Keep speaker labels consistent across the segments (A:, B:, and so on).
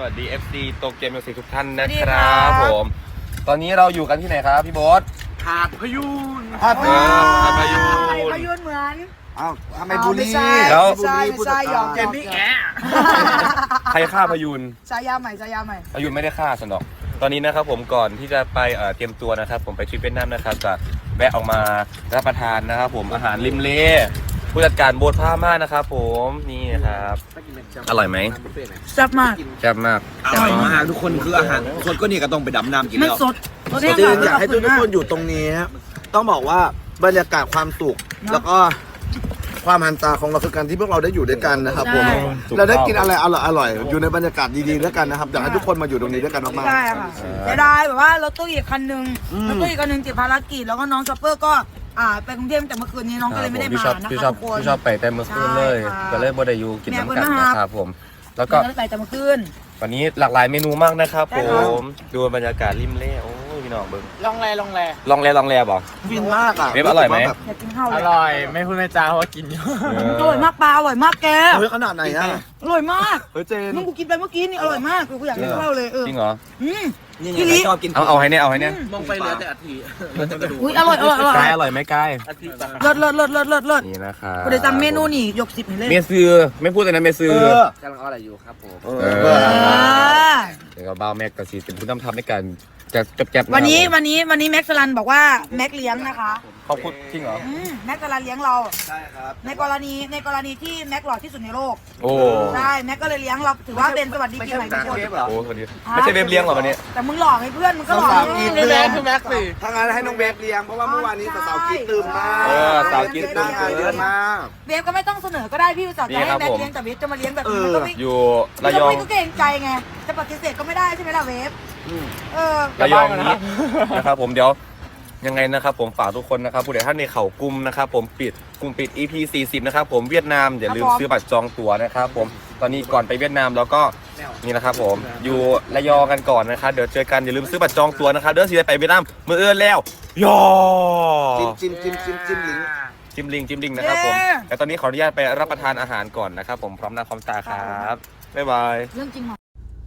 A: สดี FC โตเกียวมิวสิกทุกท่านนะครับผมตอนนี้เราอยู่กันที่ไหนครับพี่โบ๊ท
B: หาดพยูน
A: หาดพยูน
C: เหมือน
B: อ้าวทำไมบุรี
A: แล้ว
C: ไม่ใช่ยอม
B: เจนนี่แอะ
A: ใครฆ่าพยูน
C: ชายาใหม่
A: พยูนไม่ได้ฆ่าสนอกตอนนี้นะครับผมก่อนที่จะไปเตรียมตัวนะครับผมไปทริปเวียดนามนะครับจะแวะออกมารับประทานนะครับผมอาหารริมเลผู้จัดการโบ๊ทผ้ามากนะครับผมนี่ครับอร่อยไหม
C: แซ่บมาก
A: แซ่บมาก
B: อร่อยมากทุกคนคืออาหารสดก็นี่ก็ต้องไปดำน้ำกินแล้ว
C: ไม่สด
B: จริงอยากให้ทุกคนอยู่ตรงนี้ต้องบอกว่าบรรยากาศความสุขแล้วก็ความหันตาของเราคือการที่พวกเราได้อยู่ด้วยกันนะครับผมเราได้กินอะไรอร่อยอยู่ในบรรยากาศดีๆด้วยกันนะครับอยากให้ทุกคนมาอยู่ตรงนี้ด้วยกันมากๆ
C: ใช่ค่ะจะได้แบบว่ารถตู้อีกคันนึงติดภารกิจแล้วก็น้องช็อปเปอร์ก็ไปกรุงเทพแต่เมื่อคืนนี้น้องก็เลยไม่ได้มานะคะ
A: พี่ชอบไปแต่เมื่อคืนเลยก็เลยบ่ได้อยู่กินน้ำกันนะครับผมแล้วก็
C: ไปแต่เมื่อคืน
A: วันนี้หลากหลายเมนูมากนะครับผมดูบรรยากาศริมเล่โอ้ยพี่น้องเบิ้ง
B: ลองแล
A: บอก
B: ฟินมากอ่ะ
A: เว็บอร่อยไหม
C: อยากกินข้าว
D: อร่อยไม่พูดไม่จาเพราะว่ากินเยอะ
C: อร่อยมากปลาอร่อยมากแก
B: เฮ้ยขนาดไหนอ่ะ
C: อร่อยมาก
B: เฮ้ยเจน
C: มึงกูกินไปเมื่อกี้นี่อร่อยมากกูอยากกินข้าวเลย
A: จริงเหรอ
B: นี่ไงชอบกิน
A: เอาให้เนี่ย
B: มองไปเหลือแต่อาทิ
C: อุ้ยอร่อย
A: กายอร่อยไหมกาย
C: เลิศ
A: นี่นะครับ
C: กูได้สั่งเมนูนี่ยก10นี่เลย
A: เมซือไม่พูดแต่นะเมซือก
D: ำลังอะไรอยู่ครับผม
A: เดี๋ยวก็บ้าแม็กกับซีเป็นผู้นำทำในการจะแก็บ
C: วันนี้แม็กซ์ลันบอกว่าแม็กเลี้ยงนะคะ
A: เขาพูดจริงเหรอ
C: แม็กซ์ลันเลี้ยงเรา
B: ใช่ครับ
C: ในกรณีที่แม็กหล่อที่สุดในโลก
A: โอ้
C: ใช่แม็กก็เลยเลี้ยงเราถือว่าเป็นสวัสดีปีใหม่ทุกคน
A: โอ้สวัสดีไม่ใช่เว็บเลี้ยงหรอวันนี้
C: แต่มึงหล่อไหมเพื่อนมึงก็หล่อ
B: นี่แหละคือแม็กสิถ้างั้นให้น้องเวฟเลี้ยงเพราะว่าเมื่อวานนี้สาวกินตื่นมาก
A: สาวกินตื่น
B: เยอะมาก
C: เวฟก็ไม่ต้องเสนอก็ได้พี่สาวจะให้แม็กเลี้ยงแต่เวฟจะมาเลี้ยงแบบนี้มันก็ไม่
A: อยู่ระยอง
C: ก็เกรงใจไงจะปฏิเสธก็ไม่ได้ใช่ไหมล่ะเวฟ
A: ระยองนี้นะครับผมเดี๋ยวยังไงนะครับผมฝากทุกคนนะครับผู้ใดท่านในเขากลุ่มนะครับผมกลุ่มปิด EP 40นะครับผมเวียดนามอย่าลืมซื้อบัตรจองตั๋วนะครับผมตอนนี้ก่อนไปเวียดนามแล้วก็นี่นะครับผมอยู่ระยองกันก่อนนะครับเดี๋ยวเจอกันอย่าลืมซื้อบัตรจองตั๋วนะครับเดี๋ยวสิไปเวียดนามมื้ออื่นแล้วยอ
B: จิ้ม
A: ลิงนะครับผมแต่ตอนนี้ขออนุญาตไปรับประทานอาหารก่อนนะครับผมพร้อมหน้าพร้อมตาครับบ๊ายบาย
C: เรื่องจริงเหรอ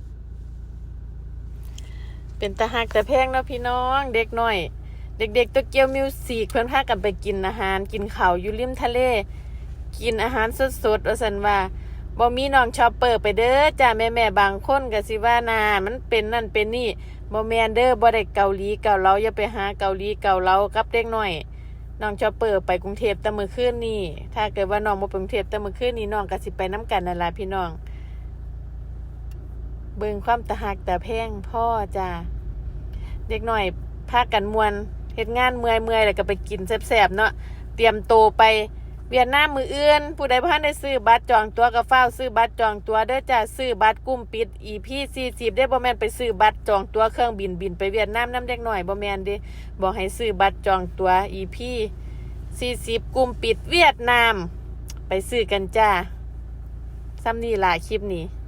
E: เป็นตาหักแต่แพงเนาะพี่น้องเด็กน้อยเด็กๆโตเกียวมิวสิกเพื่อนพากันไปกินอาหารกินข้าวอยู่ริมทะเลกินอาหารสดๆว่าซั่นว่าบ่มีน้องชอปเปอร์ไปเด้อจ้าแม่ๆบางคนก็สิว่านามันเป็นนั่นเป็นนี่บ่แม่นเด้อบ่ได้เกาหลีเกาเหลาอย่าไปหาเกาหลีเกาเหลากับเด็กน้อยน้องชอปเปอร์ไปกรุงเทพแต่มื้อคืนนี้ถ้าเกิดว่าน้องบ่ไปกรุงเทพแต่มื้อคืนนี้น้องก็สิไปนํกันนั่นล่ะพี่น้องเบิ่งความตาหักแต่แพงพ่อจ้าเด็กน้อยพากันม่วนเฮ็ดงานเมื่อยแล้วก็ไปกินแซ่บๆเนาะเตรียมโตไปเวียดนามมื้ออื่นผู้ใดบ่ทันได้ซื้อบัตรจองตั๋วก็ฟ้าวซื้อบัตรจองตั๋วเด้อจ้าซื้อบัตรกลุ่มปิด EP 40ได้บ่แม่นไปซื้อบัตรจองตั๋วเครื่องบินไปเวียดนามนำเด็กน้อยบ่แม่นเด้บอกให้ซื้อบัตรจองตั๋ว EP 40กลุ่มปิดเวียดนามไปซื้อกันจ้าซ้ำนี่ล่ะคลิปนี้